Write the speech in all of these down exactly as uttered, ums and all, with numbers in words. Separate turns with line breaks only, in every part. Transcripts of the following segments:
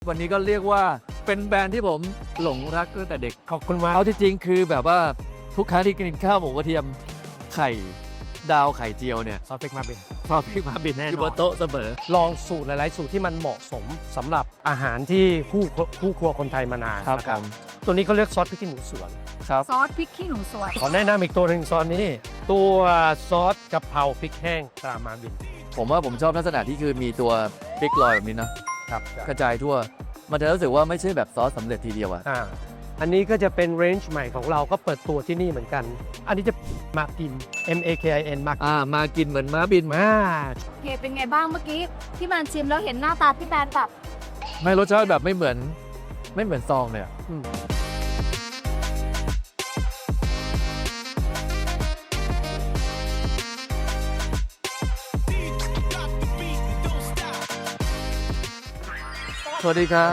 วันนี้ก็เรียกว่าเป็นแบรนด์ที่ผมหลงรักตั้งแต่เด็ก
ขอบคุณมาก
เอาที่จริงคือแบบว่าทุกครั้งที่กินข้าวหมูกระเทียมไข่ดาวไข่เจียวเนี่ย
ซอสพริกมาบิน
พอพี่มาบิน
แน่นอน
อยู่บนโต๊ะเสมอ
ลองสูตรหลายๆสูตรที่มันเหมาะสมสำหรับอาหารที่คู่คู่ครัวคนไทยมานาน
ครับ
นะ
ผม
ตัวนี้เขาเรียกซอสพริกขี้หนูสวน
ครับ
ซอสพริกขี้หนูสวน
ขอแนะนำอีกตัวหนึ่งซอสนี้ ตัวซอสกะเพราพริกแห้งตรามาบิน
ผมว่าผมชอบลักษณะที่คือมีตัวพริกลอยแบบนี้นะครับ กระจายทั่ว มันจะรู้สึกว่าไม่ใช่แบบซอสสำเร็จทีเดียวอะ
อ่าอันนี้ก็จะเป็นเรนจ์ใหม่ของเราก็เปิดตัวที่นี่เหมือนกัน อันนี้จะมากิน M A K I N มา
อ่ามากินเหมือนม้าบิน
มา
โอเคเป็นไงบ้างเมื่อกี้ที่มันชิมแล้วเห็นหน้าตาพี่แบนแบบ
ไม่รสชาติแบบไม่เหมือนไม่เหมือนซองเลยอะ
อืม
สวัสดีครับ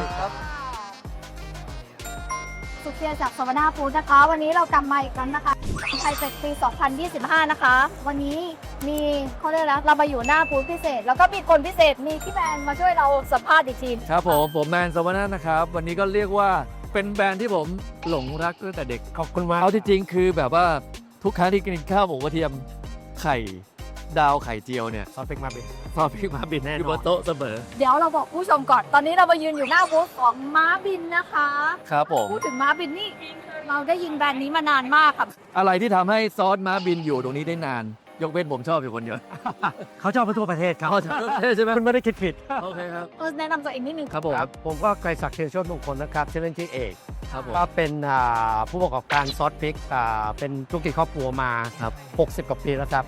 สุเทียจากสวนาฟู้ดนะคะ วันนี้เรากลับมาอีกครั้งนะคะไทยเฟกปี สองพันยี่สิบห้า นะคะ วันนี้มีเขาเรียกแล้วเรามาอยู่หน้าบูธพิเศษ แล้วก็มีคนพิเศษมีพี่แบนมาช่วยเราสัมภาษณ์อีกที
ครับผมผมแมนสวนานะครับ วันนี้ก็เรียกว่าเป็นแบรนด์ที่ผมหลงรักตั้งแต่เด็ก
ขอบคุณมาก
เอาที่จริงคือแบบว่าทุกครั้งที่กินข้าวหมูกระเทียมไข่ดาวไข่เจียวเนี่ย
ซอสพริกมาบิน
พอพี่มาบิน
แน่นอน
อยู่บนโต๊ะเสมอ
เดี๋ยวเราบอกผู้ชมก่อน ตอนนี้เรามายืนอยู่หน้าบูธของม้าบินนะคะ
ครับผม
พูดถึงม้าบินนี่เราได้ยินแบรนด์นี้มานานมากค่ะ
อะไรที่ทำให้ซอสม้าบินอยู่ตรงนี้ได้นาน ยกเว้นผมชอบอยู่คนเดียว
เขาชอบไปทั่วประเทศครับ
อ๋อใช่ไหม
คุณไม่ได้คิดผิด
โอเคครับ
เออแนะนำตัวเองนิดนึง
ครับผม
ครับผมก็ไกรศักดิ์เทียนโชติมงคลนะครับชื่อเล่นชื่อเอก
ครับผม
ก็เป็นอ่าผู้ประกอบการซอสพริกอ่าเป็นธุรกิจครอบครัวมา
ครับ
หกสิบกว่าปีแล้วครับ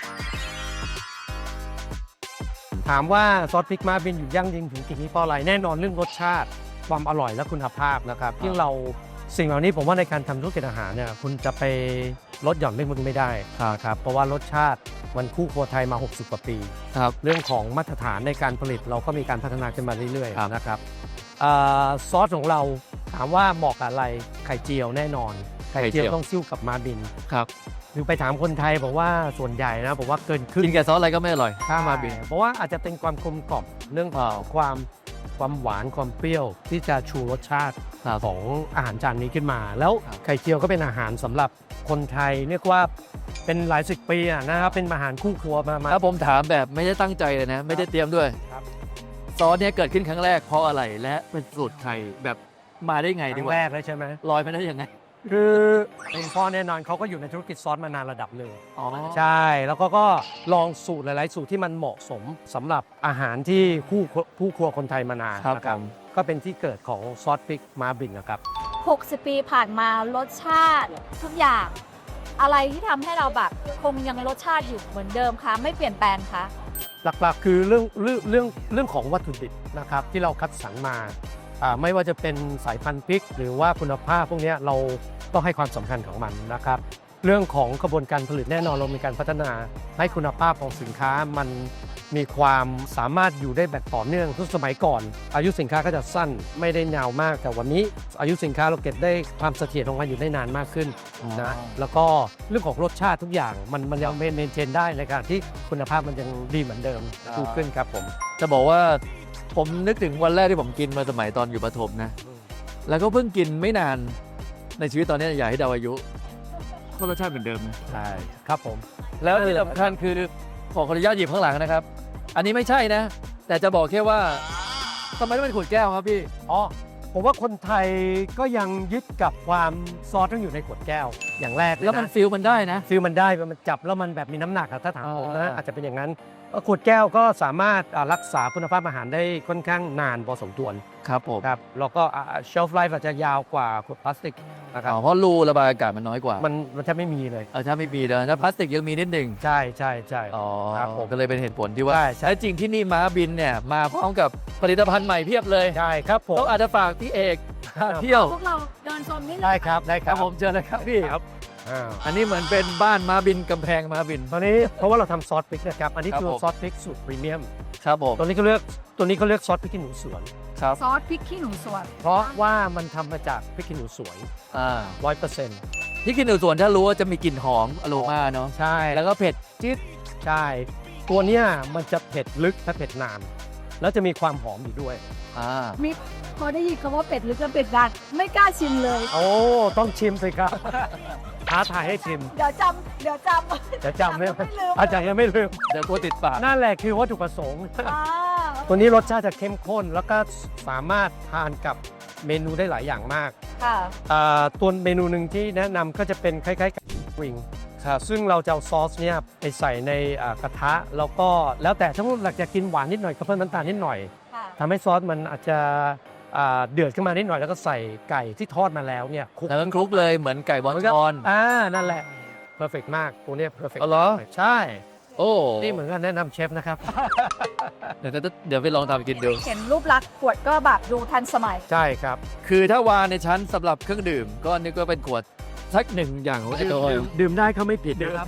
ถามว่าซอสพริกมาบินอยู่ยั่งยืนถึงกี่ปีเพราะอะไรแน่นอนเรื่องรสชาติความอร่อยและคุณภาพนะครับที่งเราสิ่งเหล่านี้ผมว่าในการทำธุรกิจอาหารเนี่ยคุณจะไปลดหย่อนเรื่องพวกนี้ไม่ได้ครับเพราะว่ารสชาติมันคู่ครัวไทยมาหกสิบกว่าปี
ครับ
เรื่องของมาตรฐานในการผลิตเราก็มีการพัฒนาขึ้นมาเรื่อย
ครับ
ๆนะครับอ่าซอสของเราถามว่าเหมาะกับอะไรไข่เจียวแน่นอน ไข่เจียวต้องซิ่วกับมาบิน
ครับ
หรือไปถามคนไทยบอกว่าส่วนใหญ่นะบอกว่าเกินครึ่ง
กินกับซอสอะไรก็ไม่อร่อยถ้ามาบิน
เพราะว่าอาจจะเป็นความกลมกล่อมเรื่องของความความหวานความเปรี้ยวที่จะชูรสชาติ
ครับ
ของอาหารจานนี้ขึ้นมา แล้ว
ครับ
ไข่เจียวก็เป็นอาหารสำหรับคนไทยเรียกว่าเป็นหลายสิบปีอะนะครับเป็นอาหารคู่ครัวมามา
ถ้าผมถามแบบไม่ได้ตั้งใจเลยนะ ไม่ได้เตรียมด้วย
ครับ
ซอสเนี้ยเกิดขึ้นครั้งแรกเพราะอะไรและเป็นสูตรใครแบบมาได้ไง
ค
ดี
รั้
ก
ง
ว่า
แรกเลยใช่ไหม
ลอยไปได้ยังไง
คือคุณพ่อแน่นอนเขาก็อยู่ในธุรกิจซอสมานานระดับหนึ่ง
อ๋อ
ใช่แล้วก็ก็ลองสูตรหลาย ๆ สูตรที่มันเหมาะสมสำหรับอาหารที่คู่คู่ครัวคนไทยมานาน
ครับ
นะ
ผม
ก็เป็นที่เกิดของซอสพริกมาบินนะครับ
หกสิบ ปีผ่านมารสชาติทุกอย่าง อะไรที่ทำให้เราแบบคงยังรสชาติอยู่เหมือนเดิมคะไม่เปลี่ยนแปลงคะ
หลัก ๆ คือเรื่องเรื่องเรื่องเรื่องของวัตถุดิบนะครับที่เราคัดสรรมาอ่าไม่ว่าจะเป็นสายพันธุ์พริก หรือว่าคุณภาพพวกเนี้ยเราต้องให้ความสำคัญของมันนะครับ เรื่องของกระบวนการผลิตแน่นอนเรามีการพัฒนาให้คุณภาพของสินค้ามันมีความสามารถอยู่ได้แบบต่อเนื่องทุกสมัยก่อน อายุสินค้าก็จะสั้นไม่ได้ยาวมาก แต่วันนี้อายุสินค้าเราเก็บได้ความเสถียรของมันอยู่ได้นานมากขึ้นนะแล้วก็เรื่องของรสชาติทุกอย่างมันมันยังเมนเทนได้ในการที่คุณภาพมันยังดีเหมือนเดิมถูกขึ้นครับผม
จะบอกว่าผมนึกถึงวันแรกที่ผมกินมาสมัยตอนอยู่ประถมนะ แล้วก็เพิ่งกินไม่นานในชีวิตตอนนี้อยากให้เดาอายุก็รสชาติเหมือนเดิมนะ
ใช่ครับผม
แล้วที่สำคัญคือขอขออนุญาตหยิบข้างหลังนะครับ อันนี้ไม่ใช่นะ แต่จะบอกแค่ว่าทำไมต้องเป็นขวดแก้วครับพี่
อ๋อผมว่าคนไทยก็ยังยึดกับความซอสต้องอยู่ในขวดแก้วอย่างแรกเยะ
แล้วมันฟิลมันได้นะ
ฟิลมันได้มันจับแล้วมันแบบมีน้ำหนักอะถ้าถามผมนะ
อ่า
อาจจะเป็นอย่างนั้นขวดแก้วก็สามารถอ่ารักษาคุณภาพอาหารได้ค่อนข้างนานพอสมควร
ครับผม
ครับแล้วก็เชลฟ์ไลฟ์อาจจะยาวกว่าขวดพลาสติกนะครับ
อ๋อเพราะรูระบายอากาศมันน้อยกว่า
มันมันจะไม่มีเลย
เออถ้าไม่มีเลยถ้าพลาสติกยังมีนิดหนึ่ง
ใช่ใช่ใช่
อ๋อ
ครับผม
ก็เลยเป็นเหตุผลที่ว่า
ใช่ใช่
แท้จริงที่นี่ม้าบินเนี่ยมาพร้อมกับผลิตภัณฑ์ใหม่เพียบเลย
ใช่ครับผม
ต้องอาจจะฝากพี่เอกพาเที่ยว
พวกเราเดินชมนี่เล
ได้
ย
ครับได้ค
ค
รั
รั
บบ
ผมเจอเลยครับพี่
ครับอ่า
อันนี้เหมือนเป็นบ้านม้าบินกำแพงม้าบิน
ตอนนี้เพราะว่าเราทำซอสพริกนะครับอันนี้
ครับ
คือ
ผม
ซอสพริกสูตรพรีเมียม
ครับผม
ตัวนี้เขาเรียกตัวนี้เขาเรียกซอสพริกขี้หนูสวน
ครับ
ซอสพริกขี้หนูสวน
เพราะว่ามันทำมาจากพริกขี้หนูสวย
อ่า
ร้อยเปอร์เซ็นต์
ที่กินหนูสวนถ้ารู้ว่าจะมีกลิ่นหอมอโรมาเนาะ
ใช่
แล้วก็เผ็ดจี๊ด
ใช่ ตัวเนี้ยมันจะเผ็ดลึกและเผ็ดนานแล้วจะมีความหอมอยู่ด้วย
อ่า
มีพอได้ยินคำว่าเป็ดหรือจะเป็ดดันไม่กล้าชิมเลย
โอ้ต้องชิมสิครับท้าทายให้ชิม
เดี๋ยวจำเดี๋ยวจำ
จะจำไม่
ไม่ลืม
อาจารย์ยังไม่ลืม
เดี๋ยวกลัวติดปาก
นั่นแหละคือวัตถุประสงค์
อ่า
ตัวนี้รสชาติจะเข้มข้น แล้วก็สามารถทานกับเมนูได้หลายอย่างมาก
ค่ะ
อ่าตัวเมนูหนึ่งที่แนะนำก็จะเป็นคล้ายๆกับวิง
ครับ
ซึ่งเราจะเอาซอสเนี่ยไปใส่ในอ่ากระทะ แล้วก็แล้วแต่ถ้าเราอยากกินหวานนิดหน่อยก็เพิ่มน้ำตาลนิดหน่อย
ค่ะ
ทำให้ซอสมันอาจจะอ่าเดือดขึ้นมานิดหน่อย แล้วก็ใส่ไก่ที่ทอดมาแล้วเนี่ยคลุก
แล้วก็คลุกเลยเหมือนไก่บอลชอน
อ่านั่นแหละเพอร์เฟกมากตัวเนี้เพอร์เฟก
อ๋อเหรอ
ใช่
โอ้
นี่เหมือนกันแนะนำเชฟนะครับ
เดี๋ยวเดี๋ยวเดี๋ยวไปลองทำกินดู
เห็นรูปลักษณ์ขวดก็แบบดูทันสมัย
ใช่ครับ
คือถ้าวางในชั้นสำหรับเครื่องดื่ม ก็นึกว่าเป็นขวดสักหนึ่งอย่างของไอ้ตัว
ดื่มดื่มได้เขาไม่ผิดนะครับ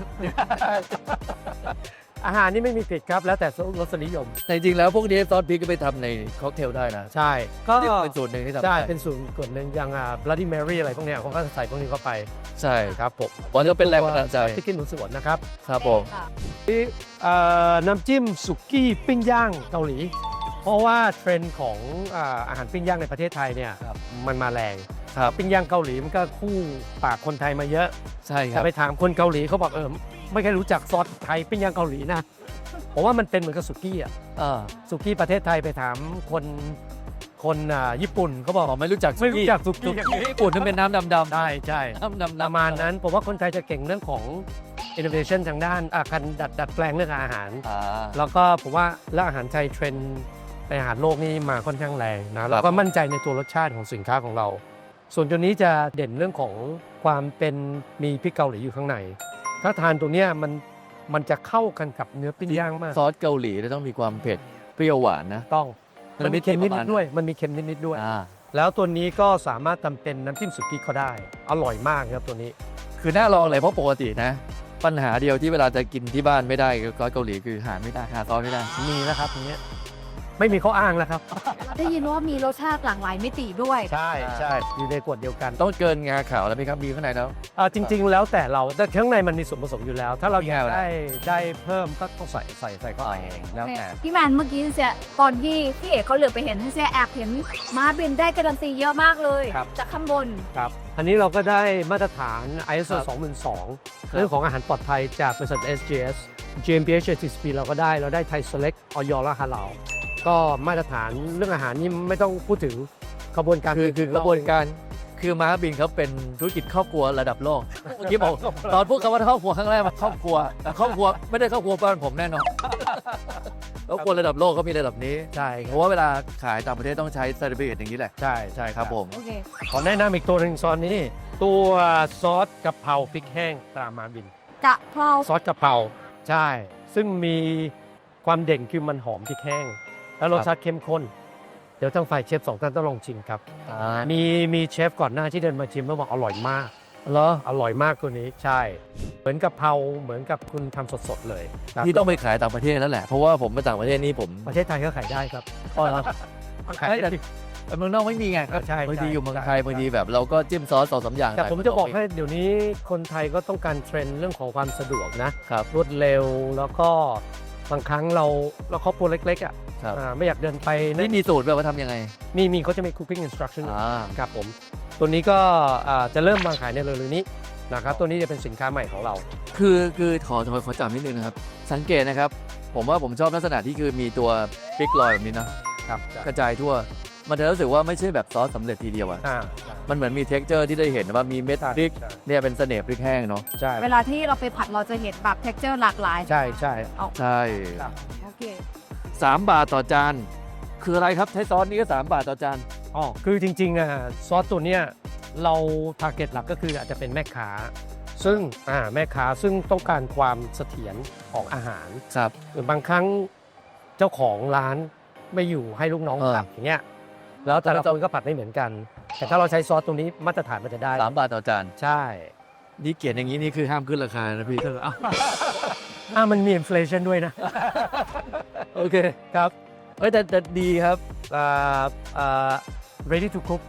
อาหารนี่ไม่มีผิดครับ แล้วแต่รสนิยม
แต่จริงๆแล้วพวกนี้ซอสพริกก็ไปทำในค็อกเทลได้นะ
ใช่ก็
นี่เป็นสูตรหนึ่งที่ทำ
ใช่
ได้
เป็นสูตรส่วนหนึ่งอย่างอ่า Bloody Mary อะไรพวกเนี้ยเขาก็ใส่พวกนี้เข้าไป
ใช่
ครับผม
วันนี้เป็นแรงบันดาลใจ
ที่กินหนูสวนนะครับ
ครับผม
ที่เอ่อน้ำจิ้มสุกี้ปิ้งย่างเกาหลี เพราะว่าเทรนด์ของอ่าอาหารปิ้งย่างในประเทศไทยเนี่ย
ครับ
มันมาแรง
ครับ
ปิ้งย่างเกาหลีมันก็คู่ปากคนไทยมาเยอะ
ใช่ค
แต่
รับ
ไปถามคนเกาหลีเขาบอกเออไม่เคยรู้จักซอสไทยปิ้งย่างเกาหลีนะผมว่ามันเป็นเหมือนกับสุกี้อ่ะ
อ่า
สุกี้ประเทศไทยไปถามคนคนอ่าญี่ปุ่นเขาบอก
ผมไม่รู้จัก
ไม่รู้จักสุกี้
ญี่ปุ่นนั่นเป็นน้ำดำๆ
ใช่ใช่
น้ำดำๆ
ประมาณนั้นผมว่าคนไทยจะเก่งเรื่องของ innovation ทางด้านอาการดัดดัดแปลงเรื่องอาหาร
อ่า
แล้วก็ผมว่าแล้วอาหารไทยเทรนด์ในอาหารโลกนี่มาค่อนข้างแรงนะแล้วก็มั่นใจในตัวรสชาติของสินค้าของเรา ส่วนตัวนี้จะเด่นเรื่องของความเป็นมีพริกเกาหลีอยู่ข้างใน ถ้าทานตัวเนี้ยมันมันจะเข้ากันกับเนื้อปิ้งย่างมาก
ซอสเกาหลีจะต้องมีความเผ็ดเปรี้ยวหวานนะ
ต้อง
มั
มัน
นมี
มีเค็มนิ
ประมาณ
ดๆด้วย มันมีเค็มนิดๆด้วย
อ่า
แล้วตัวนี้ก็สามารถทำเป็นน้ำจิ้มสุกี้ก็ได้ อร่อยมากครับตัวนี้
คือน่าลองเลยเพราะปกตินะ ปัญหาเดียวที่เวลาจะกินที่บ้านไม่ได้กับซอสเกาหลีคือหาไม่ได้หาซอสไม่ได้
มีนะครับตรงเนี้ยไม่มีข้ออ้างแล้วครับ
ได้ยินว่ามีรสชาติหลากหลายมิติด้วย
ใช่ใช่อยู่ในขวดเดียวกัน
ต้องเกินงาขาวแล้วไหมครับมีข้างในแล้ว
อ่าจริง ๆ แล้วแต่เราแต่ข้างในมันมีส่วนผสมอยู่แล้ว ถ้าเราอยาก
มีอะไร
ได้ได้เพิ่มก็ต้องใส่ใส่ใส่เข้าไปแล้วแต่
พี่แมนเมื่อกี้เสียตอนที่พี่เอกเขาเหลือไปเห็นเสียแอบเห็นม้าบินได้การันตีเยอะมากเลย
ครับ
จากข้างบน
ครับอันนี้เราก็ได้มาตรฐาน ไอ เอส โอ
ครับ
สองหมื่นสองเรื่องของอาหารปลอดภัยจากบริษัท เอส จี เอส จี เอ็ม พี เอช ที ซี พี เราก็ได้เราได้ไทย Select ออยและฮาลาลก็มาตรฐานเรื่องอาหารนี่ไม่ต้องพูดถึงกระบวนการ
คือคือกระบวนการคือม้าบินเขาเป็นธุรกิจครอบครัวระดับโลกเมื่อกี้บอกตอนพูดคำว่าครอบครัวครั้งแรกมาครอบครัวแต่ครอบครัวไม่ได้ครอบครัวบ้านผมแน่นอนครอบครัวระดับโลกเขามีระดับนี้
ใช่ค
เพ
รับ
ราะว่าเวลาขายต่างประเทศต้องใช้เซอร์ติฟิเคตอย่างนี้แหละ
ใช่ใช่
ครับผม
โอเค
ขอแนะนำอีกตัวหนึ่งซอสนี้ ตัวซอสกะเพราพริกแห้งตรามาบิน
กะเพรา
ซอสกะเพราใช่ ซึ่งมีความเด่นคือมันหอมพริกแห้ง แล้วรสชาติเข้มข้น เดี๋ยวทางฝ่ายเชฟสองท่านต้องลองชิมครับ มีมีเชฟก่อนหน้าที่เดินมาชิมแล้วบอกอร่อยมาก
เหรอ
อร่อยมากตัวนี้ใช่ เหมือนกะเพราเหมือนกับคุณทำสดๆเลยครับ
ที่ต้องไปขายต่างประเทศแล้วแหละ เพราะว่าผมไปต่างประเทศนี่ผม
ประเทศไทยก็ขายได้ครับ
อ๋อเหรอ
ขาย
เอ้ยแต่
ได้
แต่เมืองนอกไม่มีไง
ใช่
บางที
ใช่
อยู่เมืองไทย
ใช่
บางทีแบบเราก็จิ้มซอสสองสามอย่าง
แต่ผมจะบอกให้
ใส่
เดี๋ยวนี้คนไทยก็ต้องการเทรนด์เรื่องของความสะดวกนะ
ครับ
รวดเร็วแล้วก็บางครั้งเราเราครอบครัวเล็กๆอ่ะ
ครับ
อ่าไม่อยากเดินไป
นี่มีสูตรแบบว่าทำยังไง
มีมีเขาจะมี cooking instruction
อ่า
ครับผม ตัวนี้ก็อ่าจะเริ่มวางขายในเร็วๆนี้นะครับตัวนี้จะเป็นสินค้าใหม่ของเรา
คือคือขอขอขอจับนิดนึงนะครับ สังเกตนะครับ ผมว่าผมชอบลักษณะที่คือมีตัวพริกลอยแบบนี้นะครับ กระจายทั่ว มันจะรู้สึกว่าไม่ใช่แบบซอสสำเร็จทีเดียวอะ
อ่า
มันเหมือนมีเท็กเจอร์ที่ได้เห็นว่ามีเม็ดพริกเนี่ยเป็นเสน่ห์พริกแห้งเนาะ
ใช่
เวลาที่เราไปผัดเราจะเห็นแบบเท็กเจอร์หลากหลาย
ใช่ใช่
เอา
ใช่
ครับ
โอเค
สามบาทต่อจาน คืออะไรครับใช้ซอสนี้ก็สามบาทต่อจาน
อ๋อคือจริงๆอ่ะซอสตัวเนี้ยเราทาร์เก็ตหลักก็คืออาจจะเป็นแม่ค้า ซึ่งอ่าแม่ค้าซึ่งต้องการความเสถียรของอาหาร
ครับ
หรือบางครั้งเจ้าของร้านไม่อยู่ให้ลูกน้อง
เออ
ผัดอย่างเงี้ยแล้วแต่ละคนก็ผัดไม่เหมือนกัน แต่ถ้าเราใช้ซอสตรงนี้มาตรฐานมันจะได้
สามบาทต่อจาน
ใช่
นี่เขียนอย่างนี้นี่คือห้ามขึ้นราคานะพี่เธอเอ้า
อ่ามันมีอินฟลชันด้วยนะ
โอเค
ครับ
เอ้ยแต่แต่ดีครับ
อ่าอ่า ready to cook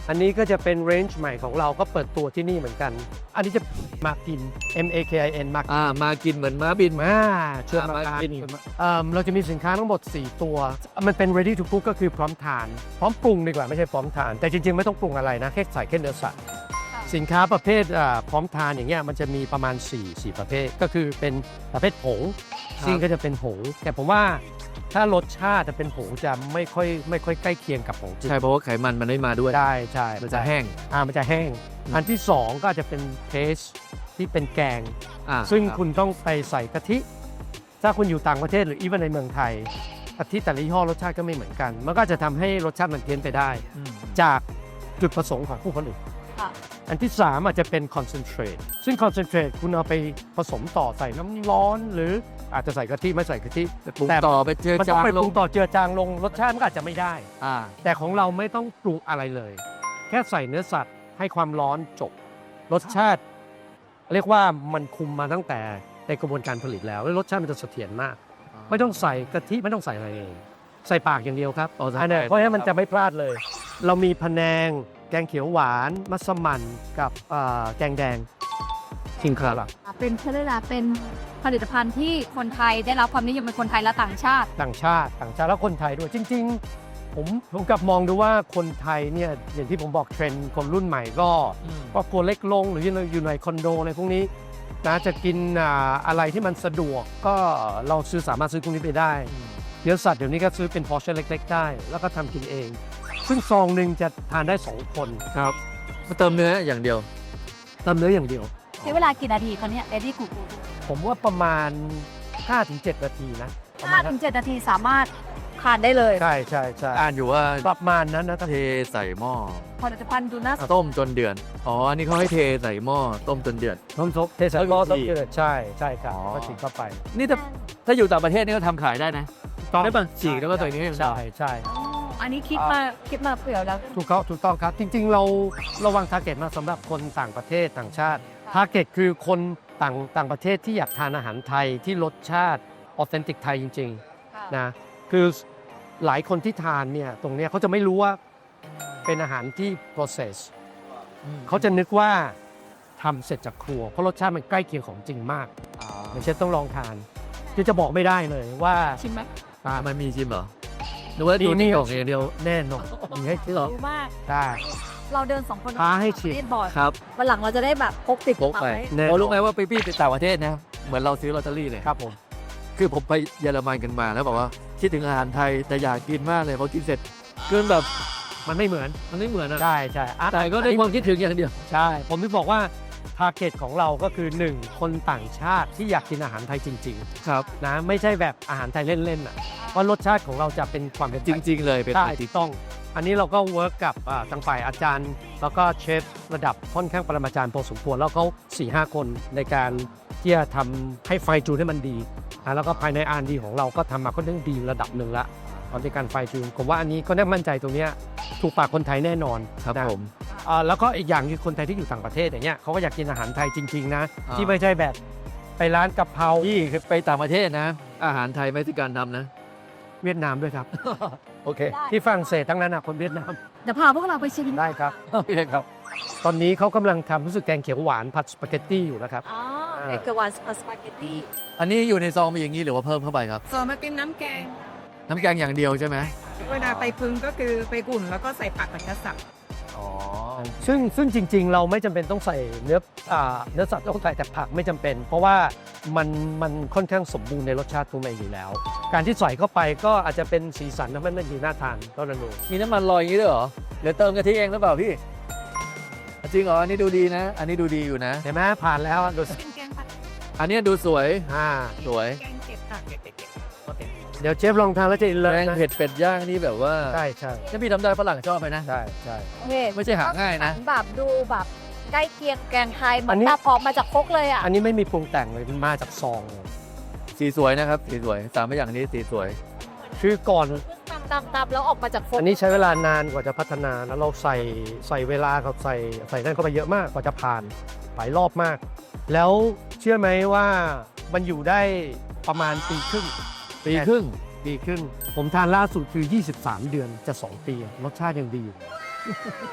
อันนี้ก็จะเป็นเรนจ์ใหม่ของเราก็เปิดตัวที่นี่เหมือนกัน อันนี้จะมากิน M A K I N มา
อ่ามากินเหมือนม้าบิน
มาเชิญมา
มา
ทาน
กิน
เอิ่มเราจะมีสินค้าทั้งหมด สี่ ตัว มันเป็น ready to cook ก็คือพร้อมทาน พร้อมปรุงดีกว่าไม่ใช่พร้อมทาน แต่จริงๆ ไม่ต้องปรุงอะไรนะแค่ใส่แค่เนื้อสัตว์สินค้าประเภทอ่าพร้อมทานอย่างเงี้ยมันจะมีประมาณ4 4ประเภทก็คือเป็นประเภทผงซึ่งก็จะเป็นผงแต่ผมว่าถ้ารสชาติจะเป็นผงจะไม่ค่อยไม่ค่อยใกล้เคียงกับผงจริง
ใช่เพราะว่าไขมันมันไม่มาด้วย
ใช่ใช่
มันจะแห้ง
อ่ามันจะแห้ง
อืม
อันที่สองก็อาจจะเป็นเทสที่เป็นแกง
อ่า
ซึ่ง
รับ
คุณต้องไปใส่กะทิ ถ้าคุณอยู่ต่างประเทศหรืออีเวนในเมืองไทยกะทิแต่ละยี่ห้อรสชาติก็ไม่เหมือนกัน มันก็จะทำให้รสชาติมันเพี้ยนไปได้
อืม
จากจุดประสงค์ของผู้ผลิต
ค่ะ
อันที่สามอาจจะเป็นคอนเซนเทรตซึ่งคอนเซนเทรตคุณเอาไปผสมต่อใส่น้ำร้อน หรืออาจจะใส่กะทิไม่ใส่กะทิ
ปรุงต่อไปเจอ
มันต้
จา
อง
ง
ไป
ล
ปรุ
ง
งต่อเจือจางลงรสชาติมันก็อาจจะไม่ได้
อ่า
แต่ของเราไม่ต้องปรุงอะไรเลย แค่ใส่เนื้อสัตว์ให้ความร้อนจบ รสชาติ เรียกว่ามันคุมมาตั้งแต่ในกระบวนการผลิตแล้วแล้วรสชาติมันจะเสถียรมาก ไม่ต้องใส่กะทิไม่ต้องใส่อะไรเลยใส่ปากอย่างเดียวครับ
อ๋อใส่
อันนี้
ปาก
เพราะฉะนั้นมันจะไม่พลาดเลย เรามีพะแนง แกงเขียวหวานมัสมั่นกับเอ่อแกงแดงคิงคาร์
เป็นเขาเรียกว่าเป็นผลิตภัณฑ์ที่คนไทยได้รับความนิยมเป็นคนไทยและต่างชาติ
ต่างชาติต่างชาติแล้วคนไทยด้วยจริง ๆ ผมผมกลับมองดูว่าคนไทยเนี่ยอย่างที่ผมบอกเทรนด์คนรุ่นใหม่ก็
อืม
ครอบครัวเล็กลงหรืออยู่ในคอนโดอะไรพวกนี้นะจะกินอ่าอะไรที่มันสะดวกก็เราซื้อสามารถซื้อพวกนี้ไปได้เนื้อสัตว์เดี๋ยวนี้ก็ซื้อเป็นพอร์ชั่นเล็กๆได้ แล้วก็ทำกินเอง ซึ่งซองหนึ่งจะทานได้สองคน
ครับมาเติมเนื้ออย่างเดียว
เติมเนื้ออย่างเดียว
ใช้เวลากี่นาทีคะเนี่ยเรดี้กูกู
ผมว่าประมาณ ห้าถึงเจ็ด นาทีนะประมา
ห้า
ณ
ถึ
นั้น
งเจ็ดนาทีสามารถทานได้เลย
ใช่ใช่ใช่
อ่านอยู่ว่า
ประมาณนั้นนะ
เทใส่หม้อ
ผลิตภัณฑ์ดูน่าสนใจ
ต้มจนเดือดอ๋ออันนี้เขาให้เทใส่หม้อต้มจนเดือด
น้ำซุปเทใส่หม้อ
แล้วก็
ต้อง
ฉีก
เกลือใช่ใช่ครับ
อ๋อ
ก็ฉีกเข้าไป
นี่ถ้าถ้าอยู่ต่างประเทศนี่ก็ทำขายได้นะ
ต้อง
ได้ป่ะฉีกแล้วก็ใส่นี้
ใช่ใช่
อ๋ออันนี้คิดมาคิดมาเผื่อแล้ว
ถูกต้องถูกต้องครับ จริงๆ เราระวังทาร์เก็ตมาสำหรับคนต่างประเทศต่างชาติทาร์เก็ตคือคนต่างต่างประเทศที่อยากทานอาหารไทยที่รสชาติออเทนติกไทยจริงๆนะคือหลายคนที่ทานเนี่ยตรงเนี้ยเขาจะไม่รู้ว่าเป็นอาหารที่ process เขาจะนึกว่าทำเสร็จจากครัว เพราะรสชาติมันใกล้เคียงของจริงมาก
อ๋อ
อย่างเช่นต้องลองทานคือจะบอกไม่ได้เลยว่า
ชิมไหม
อ่า
มันมีชิมเหรอหรือว่าดู
นี่
นี่
นี่
ออกอย่างเดียว
แน่นอนมีให้ที่เรา
รู้มาก
ได้
เราเดินสองคน
ท้าให้ชิม
เล่นบอร์ด
ครับ
วันหลังเราจะได้แบบพกติด
พกไป
ว้
แน่นอน
เพราะรู้ไหมว่าไปพี่ไปต่างประเทศนะเหมือนเราซื้อลอตเตอรี่เลย
ครับผม
คือผมไปเยอรมันกันมาแล้วบอกว่าคิดถึงอาหารไทยแต่อยากกินมากเลยพอกินเสร็จเกินแบบ
มันไม่เหมือน
มันไม่เหมือนอะ
ใช่ใช่อ่ะ
แต่ก็ได้ความคิดถึงอย่างเดียว
ใช่ ผมถึงบอกว่าทาร์เก็ตของเราก็คือ หนึ่ง คนต่างชาติที่อยากกินอาหารไทยจริง
ครับ
ๆนะไม่ใช่แบบอาหารไทยเล่นๆอ่ะเพราะรสชาติของเราจะเป็นความเป็น
จริง ๆ เลยเป็น
ใช่
ไอติ
ถูกต้อง อันนี้เราก็เวิร์กกับอ่าทางฝ่ายอาจารย์ แล้วก็เชฟระดับค่อนข้างปรมาจารย์พอสมควรแล้วเขาสี่ห้าคนในการที่จะทำให้ไฟจูนให้มันดีอ่ะแล้วก็ภายในอาร์ดีของเราก็ทำมาค่อนข้างดีระดับหนึ่งละตอนในการไฟจูนผมว่าอันนี้ก็น่ามั่นใจตรงเนี้ยถูกปากคนไทยแน่นอน
ครับ
นะ
ผม
อ่าแล้วก็อีกอย่างคือคนไทยที่อยู่ต่างประเทศอย่างเงี้ยเขาก็อยากกินอาหารไทยจริง ๆ นะ
อ่า
ที่ไม่ใช่แบบไปร้านกะเพรา
พี่คือไปต่างประเทศนะ อาหารไทยไม่ใช่การทำนะ
เวียดนามด้วยครับ
โอเค
ได้
ที่ฝรั่งเศสทั้งนั้นนะคนเวียดนาม
เดี๋ยวพาพวกเราไปชิม
ได้ครับ
โอเคครับ
ตอนนี้เขากำลังทำรู้สึกแกงเขียวหวานผัดสปาเกตตี้อยู่นะครับ
อ๋อเอกวานสปาเกตตี้
อันนี้อยู่ในซองมีอย่างนี้หรือว่าเพิ่มเข้าไปครับ
ส่วนมาเป็นน้ำแกง
น้ำแกงอย่างเดียวใช่ไหม
เวลาไปพึงก็คือไปอุ่นแล้วก็ใส่ผักกับกระสับ
อ๋อ
ซึ่งซึ่งจริง ๆ เราไม่จำเป็นต้องใส่เนื้ออ่าเนื้อสัตว์ต้องใส่แต่ผักไม่จำเป็น เพราะว่ามันมันค่อนข้างสมบูรณ์ในรสชาติตัวมันเองอยู่แล้ว การที่ใส่เข้าไปก็อาจจะเป็นสีสันทำให้มันดูน่าทานเท่านั้นเอง
มีน้ำมันลอยอย่างนี้ด้วยเหรอเดี๋ยวเติมกะทิเองหรือเปล่าพี่จริงเหรออันนี้ดูดีนะ อันนี้ดูดีอยู่นะ
เห็นไหมผ่านแล้วดูสิ
เป็นแกงผัด
อันนี้ดูสวย
อ่า
สวย
แกงเก็บผักเก็บเก็บโอเค
เดี๋ยวเชฟลองทานแล้วจะอินเลย
แกง
นะ
เผ็ดเป็ดย่างนี่แบบว่า
ใช่ใช่
ถ้าพี่ทำได้ฝรั่งชอบไปนะ
ใช่ใช่
โอเค
ไม่ใช่หาง่ายนะ
แบบดูแบบใกล้เคียงแกงไทยเหมื
อั
อน น
นี้
ตาพอกมาจากครกเลยอ่ะ
อันนี้ไม่มีปรุงแต่งเลยมันมาจากซองเลย
สีสวยนะครับ สีสวยสามอย่างนี้สีสวย
คือก่อน
ตำตำตำแล้วออกมาจากครก
อันนี้ใช้เวลานานกว่าจะพัฒนาแล้วเราใส่ใส่เวลากับใส่ใส่นั่นเข้าไปเยอะมากกว่าจะผ่านหลายรอบมาก แล้วเชื่อไหมว่ามันอยู่ได้ประมาณปีครึ่ง
ปีครึ่ง
ปีครึ่งผมทานล่าสุดคือ ยี่สิบสาม เดือนจะ สอง ปีรสชาติยังดีอยู่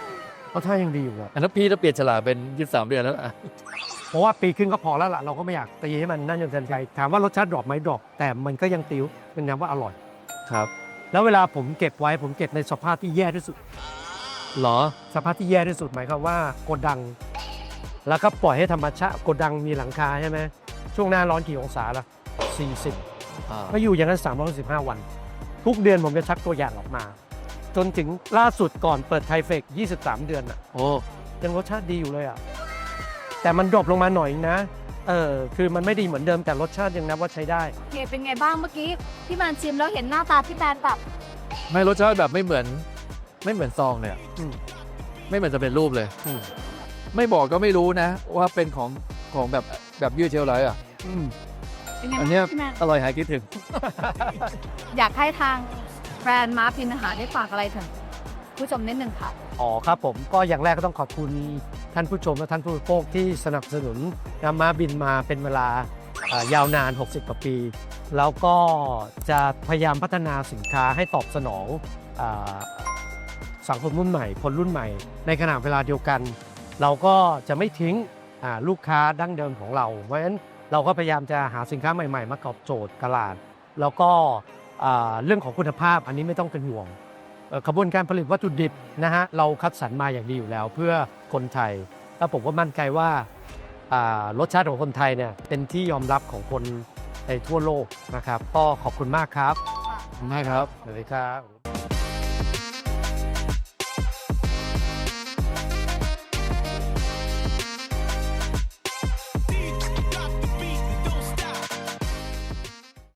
รสชาติยังดีอยู่ครับ
อันนั้นพี่ถ้าเปลี่ยนฉลากเป็นยี่สิบสามเดือนแล้วอ่ะ
เพราะว่าปีครึ่งก็พอแล้วล่ะเราก็ไม่อยากตีให้มันนั่นจนเกินไปถามว่ารสชาติดรอปไหมดรอปแต่มันก็ยังติ้วเป็นน้ำว่าอร่อย
ครับ
แล้วเวลาผมเก็บไว้ผมเก็บในสภาพที่แย่ที่สุด
หรอ
สภาพที่แย่ที่สุดหมายความว่าโกดัง แล้วก็ปล่อยให้ธรรมชาติโกดังมีหลังคาใช่ไหมช่วงหน้าร้อนกี่องศาล่ะสี่สิบ
อ่า
ก็อยู่อย่างนั้นสามร้อยสิบห้าวัน ทุกเดือนผมจะชักตัวอย่างออกมา จนถึงล่าสุดก่อนเปิดไทเฟกยี่สิบสามเดือนอ่ะ
โอ้
ยังรสชาติดีอยู่เลยอ่ะแต่มันดรอปลงมาหน่อยนะเออคือมันไม่ดีเหมือนเดิมแต่รสชาติยังนับว่าใช้ได้
โอเคเป็นไงบ้างเมื่อกี้พี่แมนชิมแล้วเห็นหน้าตาพี่แมนแบบ
ไม่รสชาติแบบไม่เหมือนไม่เหมือนซองเลยอะ
อืม
ไม่เหมือนจะเป็นรูปเลย
อืม
ไม่บอกก็ไม่รู้นะ ว่าเป็นของของแบบแบบยืดเชลไลท์อ่ะ
อืม
เป็นไง
อั
บ้าน ง
เนี้ย
พี่แมน
อร่อยหายคิดถึง
อยากให้ทางแบรนด์มาร์ฟินอาหารได้ฝากอะไรถึงผู้ชมนิดนึงค่ะ
อ๋อครับผมก็อย่างแรกก็ต้องขอบคุณท่านผู้ชมและท่านผู้บริโภคที่สนับสนุนนำมาบินมาเป็นเวลาเอ่อยาวนาน หกสิบ กว่าปี แล้วก็จะพยายามพัฒนาสินค้าให้ตอบสนองอาสังคมรุ่นใหม่ คนรุ่นใหม่ ในขณะเวลาเดียวกัน เราก็จะไม่ทิ้งอ่าลูกค้าดั้งเดิมของเรา เพราะฉะนั้นเราก็พยายามจะหาสินค้าใหม่ๆ มาตอบโจทย์ตลาด แล้วก็อ่าเรื่องของคุณภาพอันนี้ไม่ต้องเป็นห่วง เอ่อกระบวนการผลิตวัตถุดิบนะฮะเราคัดสรรมาอย่างดีอยู่แล้ว เพื่อคนไทยแล้วผมก็มั่นใจว่าอ่ารสชาติของคนไทยเนี่ยเป็นที่ยอมรับของคนในทั่วโลกนะครับก็ขอบคุณมากครับ
มากครับ
สวัสดีครับ